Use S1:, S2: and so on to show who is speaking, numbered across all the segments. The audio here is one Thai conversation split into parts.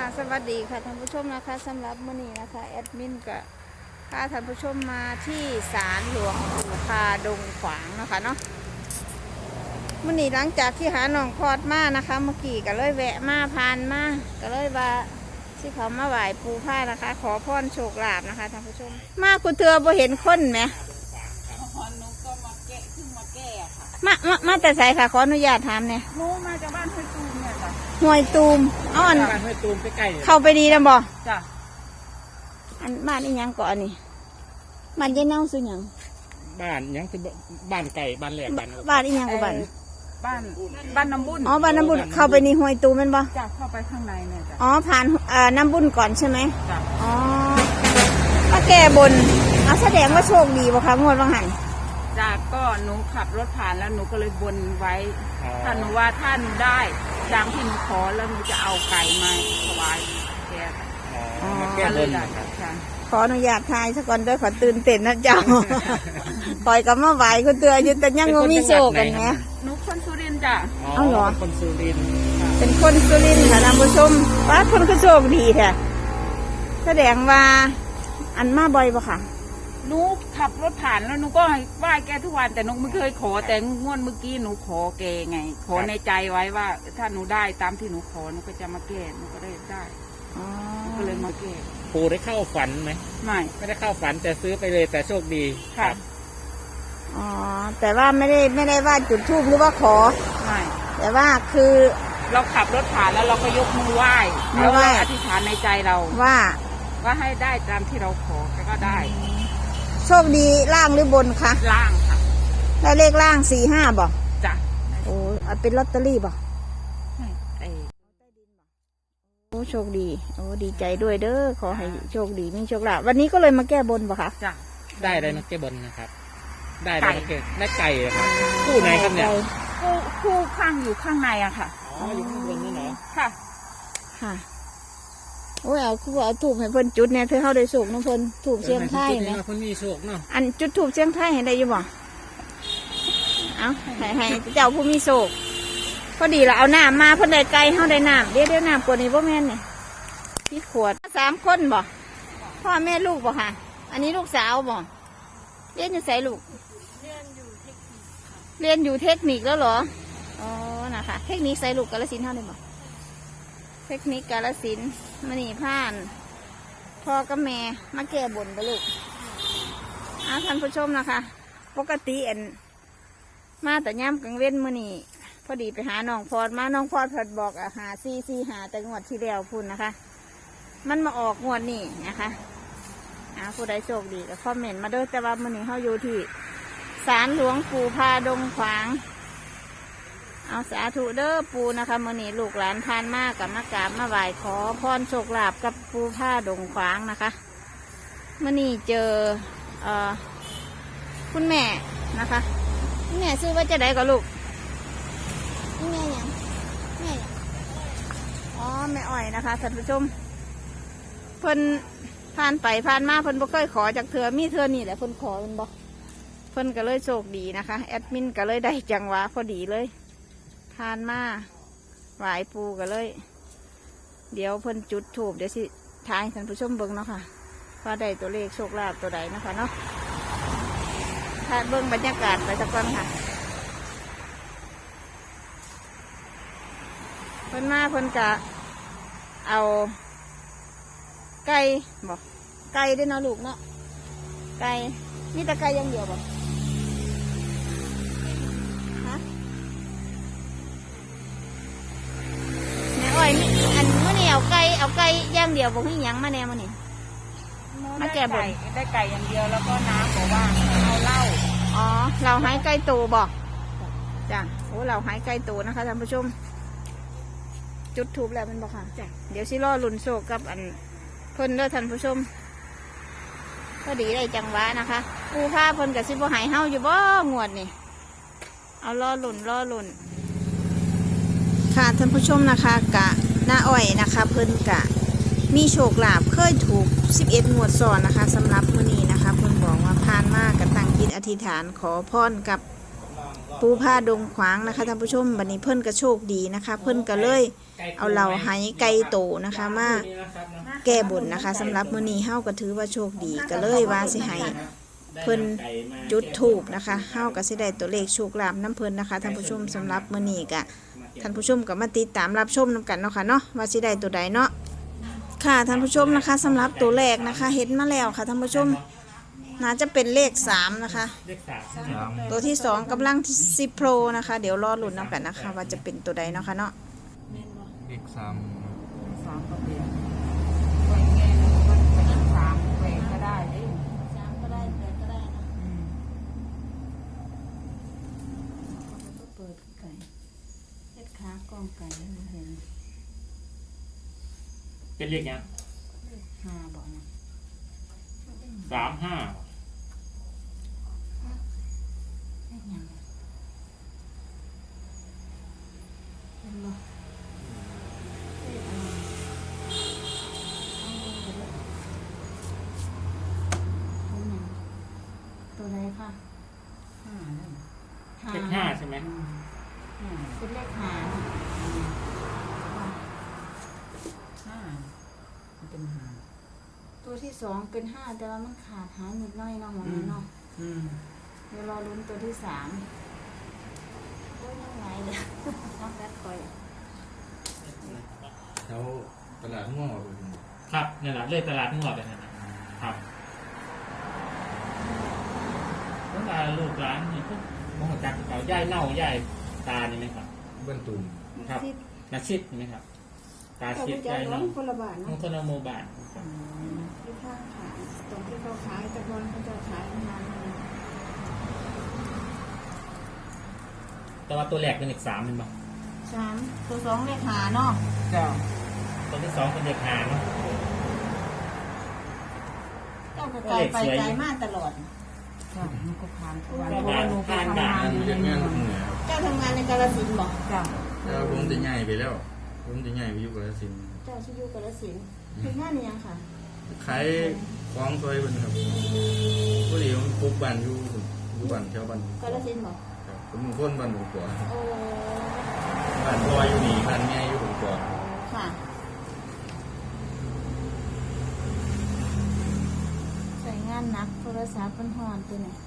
S1: สวัสดีค่ะท่านผู้ชมนะคะสำหรับมื้อนี้นะคะแอดมินก็พาท่านผู้ชมมาที่ศาลหลวงปู่คาดงขวางนะคะเนาะมื้อนี้หลังจากที่หาหนองพอดมานะคะเมื่อกี้ก็เลยแวะมาผ่านมาก็เลยว่าที่เขามาไหว้ปู่ผ้านะคะขอพรโชคลาภนะคะท่านผู้ชมมากูเตือบ่เห็นคนไหม
S2: หนูก็มาแก้ขึ้นมาแก้ค่ะ
S1: มาแต่ไสค่ะขออนุญาตถามเนี่ย
S2: หนูมาจากบ้านห้วยตูมเนี่ยจ้ะ
S1: ห้วยตูมอ้อน
S3: บ้านห้วยตูมใกล้
S1: เข้าไปดีนะบ่
S2: จ้ะ
S1: อันบ้านอีหยังก่อนนี่บ้านยายเน่าซื้อหยัง
S3: บ้านยังคือบ้านไก่บ้านแหลก
S1: บ้านอีหยังกับบ้าน
S2: บ้านน้ำบุญ
S1: อ๋อบ้านน้ำบุญเข้าไปในห้วยตูมเป็นบ่
S2: จ้ะเข้าไปข้างในเนี่ยจ้ะ
S1: อ๋อผ่านน้ำบุญก่อนใช่ไหม
S2: จ้ะ
S1: อ๋อมาแก้บนเอาแสดงว่าโชคดีบ่คะงวดวังหัน
S2: จ้ะก็หนูขับรถผ่านแล้วหนูก็เลยบนไว้ถ้าหนูว่าท่านได้ดังที่หนูขอแล้วหนูจะเอาไก่มาถวายแก
S3: แก้บน
S1: ขออนุญาตทายสักก่อนด้วยขอตื่นเต้นนะเจ้าปล่อยกับมาไหวคุณเตืออยู่แต่ยังมีโชคกันไง
S2: หนูคนสุรินทร์จ้ะ
S1: เอาเหรอ
S3: คนสุรินทร์
S1: เป็นคนสุรินทร์ค่ะท่านผู้ชมว่าคนก็โชคดีแท้แสดงว่าอันมาบ่อยปะค่ะ
S2: หนูขับรถผ่านแล้วหนูก็ไหว้แกทุกวันแต่หนูไม่เคยขอแต่งวดเมื่อกี้หนูขอแกไงขอในใจไว้ว่าถ้าหนูได้ตามที่หนูขอหนูก็จะมาแก้หนูก็ได้ก็เลยมาแก้
S3: ปู่ได้เข้าฝันไหมไม่ได้เข้าฝันแต่ซื้อไปเลยแต่โชคดี
S2: ค่ะ
S1: อ๋อแต่ว่าไม่ได้ว่าจุดธูปหรือว่าขอ
S2: ไม่
S1: แต่ว่าคือ
S2: เราขับรถผ่านแล้วเราก็ยกมือไหว้แล้วก็อธิษฐานในใจเราว่าให้ได้ตามที่เราขอก็ได้
S1: โชคดีล่างหรือบนคะ
S2: ล่างค่ะ
S1: ได้เลขล่าง45บ่
S2: จ้ะ
S1: โอ้เป็นลอตเตอรี่บ่โอ้โชคดีโอ้ดีใจด้วยเด้อขอให้โชคดีมีโชคลาภวันนี้ก็เลยมาแก้บนบ่คะ
S2: จ้ะ
S3: ได้เลยนะแก้บนนะครับได้ไก่ครับคู่ไหนครับเนี่ย
S2: คู่ข้างอยู่ข้างในอะค่ะ
S3: อ๋ออยู่ข้างบนนี่เหรอ
S1: ค่ะโอ้ยเอาถูกให้เพิ่นจุดเนี่ยเธอเข้าได้โชคน้องเพิ่นถูกเชียงไทย
S3: ไหมเพิ่นมีโชคเนาะ
S1: อันจุดถูกเชียงไทยเห็นได้อยู่บ่เอาให้เจ้าผู้มีโชคพอดีเราเอาน้ำมาเพิ่นได้ไก่เข้าได้น้ำเดี๋ยวน้ำกว่านี้บ่แม่นเนี่ยพี่ขวด3 คนบ่พ่อแม่ลูกบ่ค่ะอันนี้ลูกสาวบ่เรียนอยู่ไสลูกเรียนอยู่เทคนิคแล้วเหรออ๋อนะคะเทคนิคไสลูกกาฬสินธุ์เท่าได้บ่เทคนิคกาฬสินธุ์มณีผ่านพ่อกับแม่มาแก้บนไปลูกท่านผู้ชมนะคะปกติมาแต่ย่ำกลางเว้นมื้อนี้พอดีไปหาน้องพอดมาน้องพอดพอดบอกหา4 หาแต่งวดที่แล้วพุ่นนะคะมันมาออกงวดนี้นะคะผู้ใดโชคดีก็คอมเมนต์มาด้วยแต่ว่ามื้อนี้เขาอยู่ที่ศาลหลวงปู่พาดงขวางเอาสาธุเด้อปูนะคะมื้อนี้ลูกหลานทานมากกับมากราบมาไหว้ขอพรโชคลาภกับปูผ้าดงขวางนะคะมื้อนี้เจอคุณแม่นะคะคุณแม่ชื่อว่าจะได้กับลูกคุณแม่ยังอ๋อแม่อ้อยนะคะท่านผู้ชมเพิ่นผ่านไปผ่านมาเพิ่นบ่เคยขอจากเธอมีเธอนี่แหละเพิ่นขอเพิ่นบอกเพิ่นก็เลยโชคดีนะคะแอดมินก็เลยได้จังหวะพอดีเลยทานมาไหวปูกันเลยเดี๋ยวเพิ่นจุดถูกเดี๋ยวสิทายท่านผู้ชมเบิ้งเนาะค่ะว่าได้ตัวเลขโชคลาภตัวใดนะคะเนาะถ้าเบิ้งบรรยากาศไปสักก่อนค่ะเพิ่นมาเพิ่นจะเอาไก่บอกไก่ด้วยเนาะลูกเนาะไก่มีแต่ไก่อย่างเดียวบอกอันมื่อนี้เอาไก่ย่างเดียวบอกให้ยังมาแน่มื่อนี้มาแก่บน
S2: ได้ไก่อย่างเดียวแล้วก็น้ำบอกว่าเอาเหล้า
S1: อ๋อเราหายไก่ตูบอกจ้ะโอ้เราหายไก่ตูนะคะท่านผู้ชมจุดทูบแล้วมันบอกค่ะจ้ะเดี๋ยวซิล่อลุนโชกับอันเพิ่นเด้อท่านผู้ชมก็ดีได้จังหวะนะคะปูผ้าเพิ่นกับซิบ่หายเฮาอยู่บ่งวดนี่เอาล่อลุนค่ะท่านผู้ชมนะคะกะหน้าอ้อยนะคะเพิ่นกะมีโชคลาภเคยถูก11 งวดซ้อนนะคะสำหรับมื้อนี้นะคะเพิ่นบอกว่าผ่านมากกะตั้งจิตอธิษฐานขอพรกับปูภูผาดงขวางนะคะท่านผู้ชมบัดนี้เพิ่นก็โชคดีนะคะ เพิ่นก็เลยเอาเหล่าไหไก่โตนะคะมาแก้บนนะคะสำหรับมื้อนี้เฮาก็ถือว่าโชคดีก็เลยว่าสิให้เพิ่นจุดธูปนะคะเฮาก็สิได้ตัวเลขโชคลาภน้ำเพิ่นนะคะท่านผู้ชมสำหรับมื้อนี้ก็ท่านผู้ชมก็มาติดตามรับชมนํกันเนาะค่ะเนาะว่าสิได้ตัวใดเนาะค่ะท่านผู้ชมนะคะสำหรับตัวแรกนะคะเห็นมาแล้วค่ะท่านผู้ชมน่าจะเป็นเลข3นะคะ
S3: เลข3
S1: ตัวที่2กำลัง10โปรนะคะเดี๋ยวรอลุ้นนํกันนะคะว่าจะเป็นตัวใดเนาะค่ะเนาะ
S4: เลข3
S2: สามก็เปลี่ยนแหวนไงมันเป็นสามแหวนก็ได้ดิ
S1: 3ก็ได้8ก็ได้นะ
S2: เปิดไก่เล็ดขากล้องไก่ให้มันเห็น
S3: เป็นเลขยัง
S2: 5บอกนะ
S3: 35
S2: เลขยังเห็นบ่เลขตัวใดค่ะ5นั่น
S3: เลข5ใช่ไหม
S2: เป็นเลข5มันเป็น5ตัวที่2เป็น5แต่ว่ามันขาดหายนิดหน่อยเนาะหมอเนาะเดี๋ยวรอลุ้นตัวที่3โอ้ยยังไงเดี๋ยวน้องแบทคอย
S4: แถวตลาดง่วงเลย
S3: ครับนี่แหละเลขตลาดงวดเลยนะครับตั้งแต่ลูกหลานนี่พวกมองจากเขาย่ายเน่าย่ายตานี่ไหมครับ
S4: บ้านตุ่ม
S3: ครับนาชิดนี่ไหมครับตาชิดย่ายเน่า
S1: คนละบาท
S3: ม
S1: เนาะ
S3: งคลโมบาน
S1: ที่ข้างขายตรงที่เขาขายแต่บอลเขาจะขายนาน
S3: แต่ว่าตัวแรกเป็นเลข3เป็นบ้าง
S1: 3ตัว2เลขหาเนาะ
S2: จ้า
S3: ตัวที่2เป็นเลข5เนาะ
S1: เจ้าก็ไกลไปไกลมากตลอด
S2: จ้ามันก็ผ่านทุกวัน
S3: ก็
S2: เพราะ
S3: ผ่า
S2: ว่าน หนูไป
S3: ผ่าน
S2: ทำ
S3: ด่าง
S2: าน
S3: น
S2: อยู่
S4: เรีย
S2: ใน
S4: ก
S2: เมื
S4: งา
S2: อน ง
S4: เหนือครับ
S1: เจ้าทำงานในกาฬสินธุ์บ่
S2: จ้า
S4: แล้วผมจะใหญ่ไปแล้ว ผมจะใหญ่ไปอยู่กาฬสินธุ์
S1: เจ้าชื่ออยู่กาฬสินธุ์คืองานนี้ยังค่ะ
S4: ขายของซอยเพิ่นครับพอดีผมปลูกบ้านอยู่บ้านแถวบ้าน
S1: กาฬสินธุ์บ่
S4: ครับผมเป็นคนบ้านหมูกว่า
S1: โอ้
S4: บ้านพ่ออยู่นี่บ้านแม่อยู่หมูกว่า
S1: ค่ะใส่งานหนักโทรศัพท์เป็นหอนตัวเนี่ย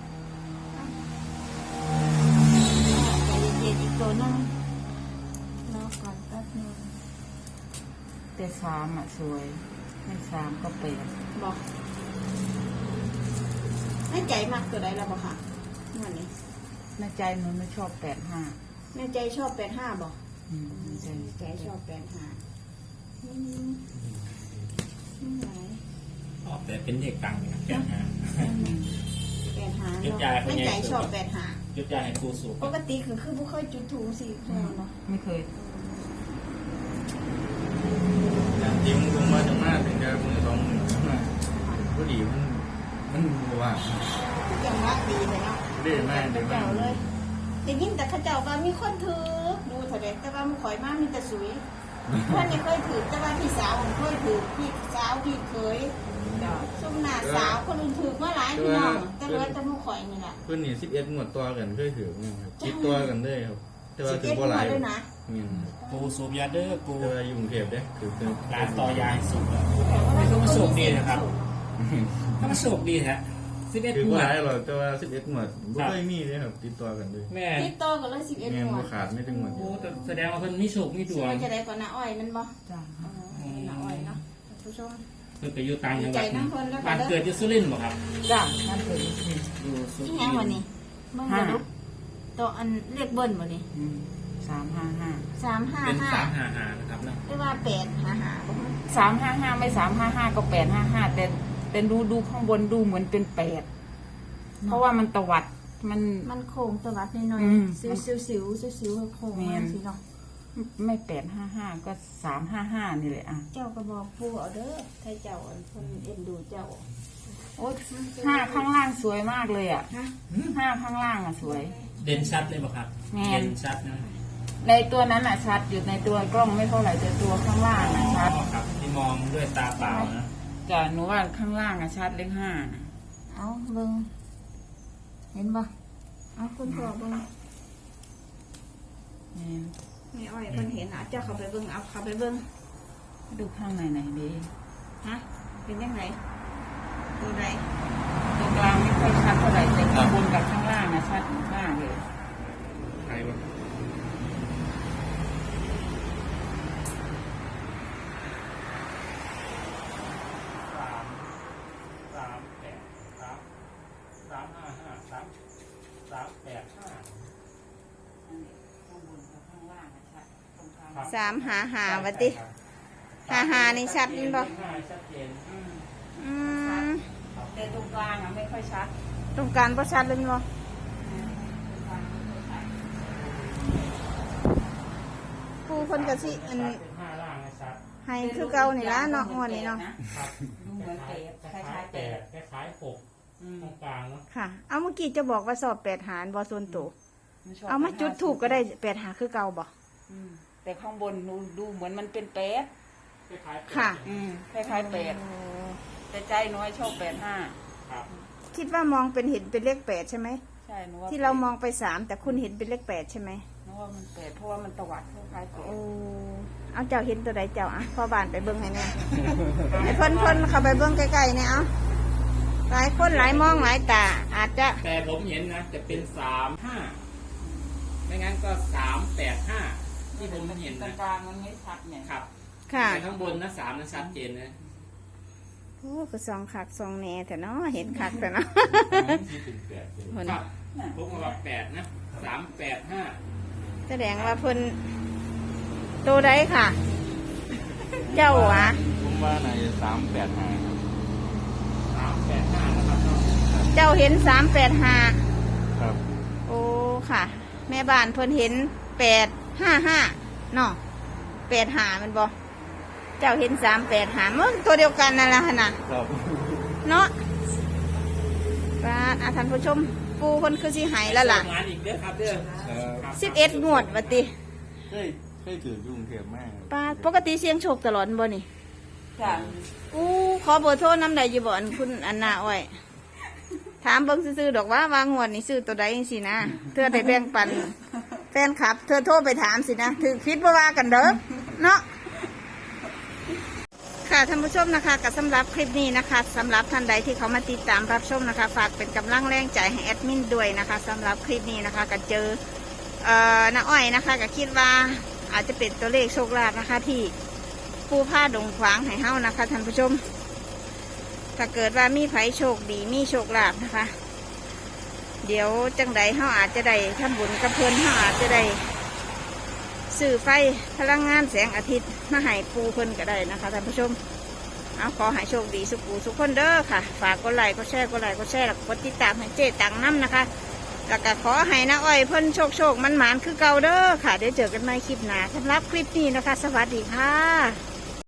S1: ใจเย็นๆอีกตัวนึงรอก่อนแป๊บนึง
S2: แต่3อ่ะสวยไม่3ก็เปลี่ยน
S1: บอกแม่ใจมากตัวใดแล้วบ่ค่ะวันนี้
S2: ในใจหนูไม่ชอบ85
S1: แม่ใจชอบ85บอก
S2: ในใจ
S1: ใจชอบ85ไม่ไหน
S3: ออกแต่เป็นเลขกลางนะครับแกนหา
S1: 85
S3: ยุดยาเขา
S1: แม่
S3: เนี่ย
S1: ใจชอบ85
S3: ยุดยาให้ครูสูบ
S1: ปกติคือบุเคยจุดถูสิแม่เนาะ
S2: ไม่เคย
S4: อย่างที่ผมว่าจะมาถึงจะมือ2มือมาพอดีมันว่าง
S1: ทุกอย่างรักดีเลยเนาะ
S4: ได้มากได้มา
S1: เจ้าก เลยได้ยินแต่เขาเจ้าว่ามีคนถือดูเถอะเด็กแต่ว่ามันข่อยมากมีแต่สุยเพื่อนนี่เคยถือแต่ว่าพี่สาวผมเคยถือพี่สาวพี่เคย
S2: จ้า
S1: ซุ่มหน้าสาวคนอื่นถือมาหลายพี่น้องแต่เหลือแต่มุข่อยนี่แหละ
S4: เพิ่นนี่11งวดตัวกันเคยถือครับคิดตัวกันเลยครับ แต่ว่าถือ
S1: 11
S4: บ่หลาย
S1: ด้วยนะ
S4: เงี้ย
S3: ปูสูบยาเด้อปู
S4: แต่ว่าอยู่กรุงเทพเด้ถือเป็น
S3: ร้านต่อยาให้สูบ
S1: แต่ว่า
S3: ไม่ต้องมาสูบดีนะครับ ถ้ามาสูบดีฮะ11
S4: ถือ
S3: หม
S4: บ่
S3: ว
S4: ห
S3: ด
S4: ลายหรอกแต่ว่า11งวดบ่เคยมีเลยครับติดตัวกันเลย
S3: แม่
S1: ติดต่อกันเลย11
S4: แม่น
S1: หมว
S4: บ่
S1: ด
S4: ขาดไม่ถึงงวดเดี
S3: โอ้
S4: ยว
S3: แต่แสดงว่าเพิ่นมีโชคมีด
S1: ชื่
S3: ว
S1: อง จะได้ก่อนนะอ้อยมันบ่
S2: จ้า
S1: น้าอ้อยเนาะผู้ชม
S3: เพิ่นไปอยู่ต่างจังหวัด
S1: ดีใจน้ำเพิ่นแล้วกันเด้อ
S3: บ้านเกิดอยู่สุรินทร์บ่ครับ
S2: จ้านั่นคือ
S3: อยู่สุริ
S1: ที่
S3: นท
S1: แห้งวัน
S3: ร์
S1: นี้เบิ่งกันดูตัวอันเรียกเบิ้ลบ่นี่
S2: 355
S1: 355
S3: เป็น355นะครับเนาะ
S1: หรือว่า855บ่
S2: 355ไม่355ก็855แต่ดูข้างบนดูเหมือนเป็น8เพราะว่ามันตวัดมัน
S1: โค้งตวัดนิดหน่อย
S2: อืม
S1: สิวๆโค้งมาสิเนาะ
S2: ไม่855ก็355นี่แหละอ่ะ
S1: เจ้าก็บอกผู้เอาเด้อถ้าเจ้าอันเพิ่นเอ็นดูเจ้า
S2: โอ้5ข้างล่างสวยมากเลยอ่ะ
S1: ฮะ
S2: 5ข้างล่างอ่ะสวย
S3: เด่นชัดเลยบ่ครับ
S2: แม่น
S3: เด่นชัดนะ
S2: ในตัวนั้นอ่ะชัดอยู่ในตัวกล้องไม่เท่าไหร่แต่ตัวข้างล่างอ่ะชัด
S3: ครับที่มองด้วยตาเปล่านะ
S2: จ้ะหนูว่าข้างล่างอ่ะชัดเลข5น่ะ
S1: เอาเบิ่งเห็นบ่เอาคุณพ่อเบิ่งแม่อ้อยเพิ่นเห็นเจ้าเขาไปเบิ่งเอาเขาไปเบิ่ง
S2: ดูข้างในไหนดี
S1: ฮะเป็นยังไงตัวไหน
S2: ตรงกลางไม่ค่อยชัดเท่าไหร่แต่ข้างบนกับข้างล่างนะชัดมากเลย
S4: ใครวะ
S2: ข้างบนกับข้างล่างนะชัดตรงกลาง
S1: 355ว่าติ55นี่ชัดนี่บ่
S3: ชัดเจน
S1: อืม
S2: แต่ตรงกลางอ่ะไม่ค่อยชัด
S1: ตรงกลางบ่ชัดเลยบ่
S2: ตรงกลางไม่ค่อยชัด
S1: ผู้เพิ่นก็สิอัน
S3: เป็น5ล่างนะชัด
S1: ให้คือเก่านี่ล่ะเนาะงวดนี้เนาะ
S3: ครับ
S2: ดูเหมือนเปรตคล้ายๆเปรต
S3: คล้ายๆ6ตรงกลางเนาะ
S1: ค่ะ เอาเมื่อกี้จะบอกว่าสอบ8หารบ่ส่วนตัว
S2: ชบ
S1: เอามาจุดถูกก็ได้8หารคือเก่าบ่
S2: แต่ข้างบนดูเหมือนมันเป็นเปรต
S3: คล้ายๆ
S1: ค่ะ
S2: คล้ายๆเปรตแต่ใจน้อยชอบ85
S3: ครับ
S1: คิดว่ามองเป็นเห็นเป็นเลข8ใช่ไหม
S2: ใช่หนูว่า
S1: ที่เรามองไป3แต่คุณเห็นเป็นเลข8ใช่ไหม
S2: หนูว่ามันเปรตเพราะว่ามันตวัดคล้ายๆเปรต
S1: โอ้เอาเจ้าเห็นตัวใดเจ้าอ่ะพ่อบ้านไปเบิ่งให้แน่ไอ้เพิ่นเข้าไปเบิ่งใกล้ๆเนี่ยเอาหลายคนหลายมองหลายตา อาจจะ
S3: แต่ผมเห็นนะจะเป็น35ไม่งั้นก็385ที่ผมเห็น
S2: ตร
S3: นะ
S2: งกลางมันไม่ชัดไง
S3: ครับ
S1: ค่ะ
S3: แต่ข้างบนนะ3นั้นชัดเจนนะ
S1: โอ้ก็ซองคักซองแหน่แต่เนาะเห็นคักแต่เนาะ
S4: ที่เป็นแปดเลย
S1: เพิ่น
S3: ครับผมว่า8นะ385
S1: แสดงว่าเพิ่นตัวใดค่ะ เจ้าหวะ
S4: ผมว่าใน385
S3: 385นะครับเนาะ
S1: เจ้าเห็น385
S4: ครับ
S1: โอ้ค่ะ แม่บ้านเพิ่นเห็น855เนาะ85มันบ่เจ้าเห็น385มันตัวเดียวกันนั่นล่ะหั่นน่ะ
S4: ครับ
S1: เนาะป้าท่านผู้ชม ปูเพิ่นคือสิหายแล้วล่ะ
S3: งานอีกเด้อครับเด้อครับ
S1: 11งวดว่าติ
S4: เคยถือยุ่งเทียบมาก
S1: ป้าปกติเสียงโชคตลอดบ่นี่
S2: จ้ะ
S1: อู้ขอเบอร์โทรน้ำใดอยู่บ่อันคุณอันนาอ้อยถามเบิ่งซื่อๆดอกว่าวางงวดนี่ซื้อตัวใดจังซี่นะเธอได้แบ่งปันแฟนคลับ เธอโทรไปถามสินะถึงคิดบ่ว่ากันเด้อเนาะค่ะท่านผู้ชมนะคะกับสำหรับคลิปนี้นะคะสำหรับท่านใดที่เขามาติดตามรับชมนะคะ ฝากเป็นกำลังแรงใจให้แอดมินด้วยนะคะสำหรับคลิปนี้นะคะก็เจอน้าอ้อยนะคะก็คิดว่าอาจจะเป็นตัวเลขโชคลาภนะคะที่ปูผ้าดงขวางให้เฮานะคะท่านผู้ชมถ้าเกิดว่ามีไผโชคดีมีโชคลาภนะคะ เดี๋ยวจังใดเฮาอาจจะได้ทำบุญกับเพิ่นเฮาอาจจะได้ซื้อไฟพลังงานแสงอาทิตย์มาให้ปูเพิ่นก็ได้นะคะท่านผู้ชมเอาขอให้โชคดีสุขูสุขคนเด้อค่ะ ฝากกดไลค์กดแชร์กดไลค์กดแชร์แล้วก็กดติดตามให้เจ๊ตังน้ำนะคะแล้วก็ขอให้น้าอ้อยเพิ่นโชคมันหมานคือเก่าเด้อค่ะเดี๋ยวเจอกันใหม่คลิปหน้าสำหรับคลิปนี้นะคะ สวัสดีค่ะ